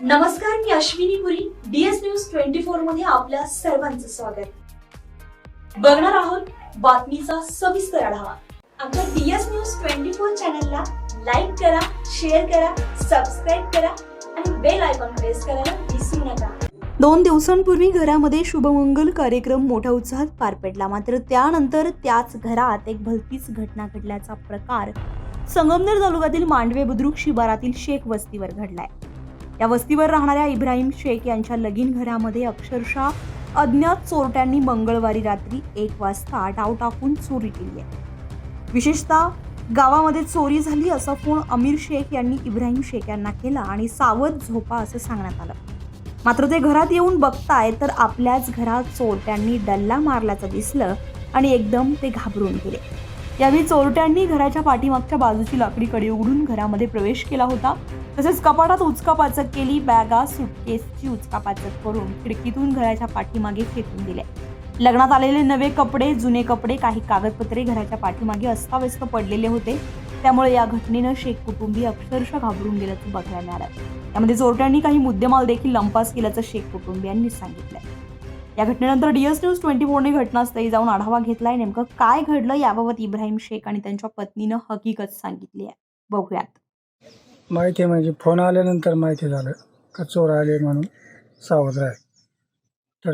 नमस्कार, मी Ashwini Puri. DS news 24 मध्ये आपल्या सर्वांचं स्वागत. बघणार आहोत बातमीचा सविस्तर आढावा. आमच्या DS न्यूज 24 चॅनलला लाईक करा, शेअर करा, सबस्क्राईब करा आणि बेल आयकॉन प्रेस करायला विसरू नका. 2 दिवसांपूर्वी घरामध्ये शुभमंगल कार्यक्रम मोठ्या उत्साहात पार पडला. मात्र त्यानंतर त्याच घरात एक भलतीच घटना घडल्याचा प्रकार संगमनेर तालुक्यातील मांडवे बुद्रुक शिवारातील शेख वस्तीवर घडलाय. या वस्तीवर राहणाऱ्या इब्राहिम शेख यांच्या लगीन घरामध्ये अक्षरशः अज्ञात चोरट्यांनी मंगळवारी रात्री 1 वाजता डाव टाकून चोरी केली आहे. विशेषतः गावामध्ये चोरी झाली असा फोन अमीर शेख यांनी इब्राहिम शेख यांना केला आणि सावध झोपा असं सांगण्यात आलं. मात्र ते घरात येऊन बघताय तर आपल्याच घरात चोरट्यांनी डल्ला मारल्याचं दिसलं आणि एकदम ते घाबरून गेले. यावेळी चोरट्यांनी घराच्या पाठीमागच्या बाजूची लाकडी कडी उघडून घरामध्ये प्रवेश केला होता. तसेच कपाटात उचकापाचक केली. बॅगा, सुटकेसची उचकापाचक करून खिडकीतून घराच्या पाठीमागे फेकून दिले. लग्नात आलेले नवे कपडे, जुने कपडे, काही कागदपत्रे घराच्या पाठीमागे अस्ताव्यस्त पडलेले होते. त्यामुळे या घटनेनं शेख कुटुंबीय अक्षरशः घाबरून गेल्याचं बघायला मिळालं. यामध्ये चोरट्यांनी काही मुद्देमाल देखील लंपास केल्याचं शेख कुटुंबियांनी सांगितलंय. या घटनेनंतर DS न्यूज 24ने घटनास्थळी जाऊन आढावा घेतलाय. नेमकं काय घडलं याबाबत इब्राहिम शेख आणि त्यांच्या पत्नीनं हकीकत सांगितली आहे. बघूयात. माहिती म्हणजे फोन आल्यानंतर माहिती झालं का चोर आले म्हणून सावध राह. तर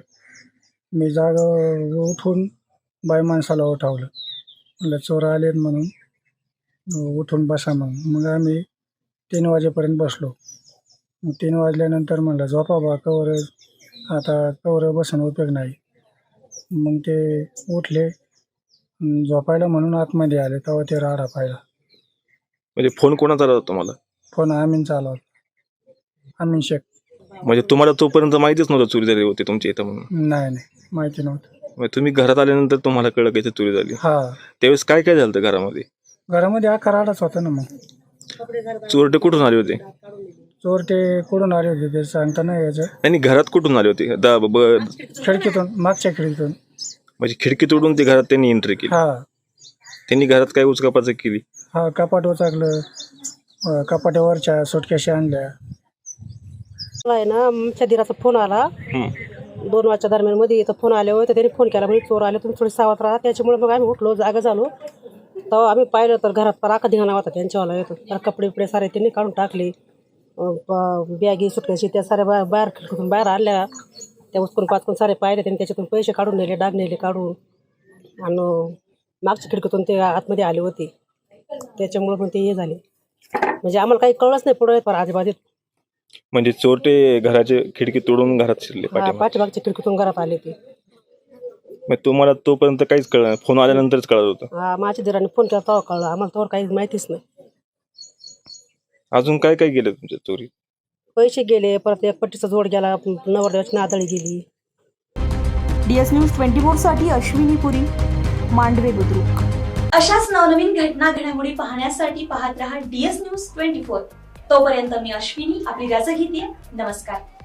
मी जागा उठून बाई माणसाला उठवलं. म्हणलं चोर आले म्हणून उठून बसा म्हणून. मग आम्ही 3 वाजेपर्यंत बसलो. मग 3 वाजल्यानंतर म्हणलं झोपा बा, कवर आता कवर बसून उपयोग नाही. मग ते उठले, झोपायला म्हणून आतमध्ये आले. तेव्हा ते राडा पाहिला. म्हणजे फोन कोणाचा आला होता तुम्हाला? फोन आमीनचा आला होता, अमीन शेख. म्हणजे तुम्हाला तोपर्यंत माहितीच नव्हतं चोरी झाली होती तुमच्या इथं म्हणून? नाही माहिती नव्हतं. म्हणजे तुम्ही घरात आल्यानंतर तुम्हाला कळलं की इथे चोरी झाली? हां, त्यावेळेस काय काय झालं घरामध्ये? घरामध्ये हा कराडाच होता ना. मग चोरटे कुठून आले होते? चोर ते कुठून आले होते ते सांगता नाही यायचं. आणि घरात कुठून आले होते? खिडकीतून, मागच्या खिडकीतून. म्हणजे खिडकी तोडून ते घरात त्यांनी एंट्री केली? हा, त्यांनी घरात काय उचकापाचक केली? हा, कपाट उचकलं, कपाटावरच्या सुटकेशी आणल्या. आहे ना, आमच्या दिराचा फोन आला 2 वाजच्या दरम्यान मध्ये. इथं फोन आले होते, त्यांनी फोन केला म्हणजे चोर आले, तुम्ही थोडी सावध राहा. त्याच्यामुळे मग आम्ही उठलो, जागा झालो. तेव्हा आम्ही पाहिलं तर घरात राखा धिंगाणा होता त्यांच्यावाला. येतो तर कपडे बिपडे सारे त्यांनी काढून टाकले. बॅगी, सुटकेशी त्या साऱ्या बाहेर खिडकीतून बाहेर आणल्या. त्या उचकून पाचकून सारे पाहिले त्यांनी. त्याच्यातून पैसे काढून नेले, डाग नेले काढून. आणि मागच्या खिडकीतून ते आतमध्ये आले होते. त्याच्यामुळे पण ते हे झाले. म्हणजे आम्हाला काही कळलंच नाही पुढे पण आजूबाजूत. म्हणजे चोरटे घराचे खिडकी तोडून घरात शिरले? पाठीमागच्या खिडकीतून घरात आले ते. मग तुम्हाला तोपर्यंत काहीच कळलं नाही? फोन आल्यानंतरच कळत होतं? हा, माझ्या दिराने फोन केला तेव्हा कळलं आम्हाला. तेव्हा काही माहितीच नाही. अजून काय काय गेलं तुमच्या चोरी? पैसे गेले, परत एक पट्टीचा जोड गेला, नवरदेवाची नादळी गेली. DS न्यूज 24 साठी अश्विनी पुरी, मांडवे बुद्रुक. अशाच नवनवीन घटना घडामोडी पाहण्यासाठी पाहत रहा DS न्यूज 24. तोपर्यंत मी अश्विनी आपली रजा घेते. नमस्कार.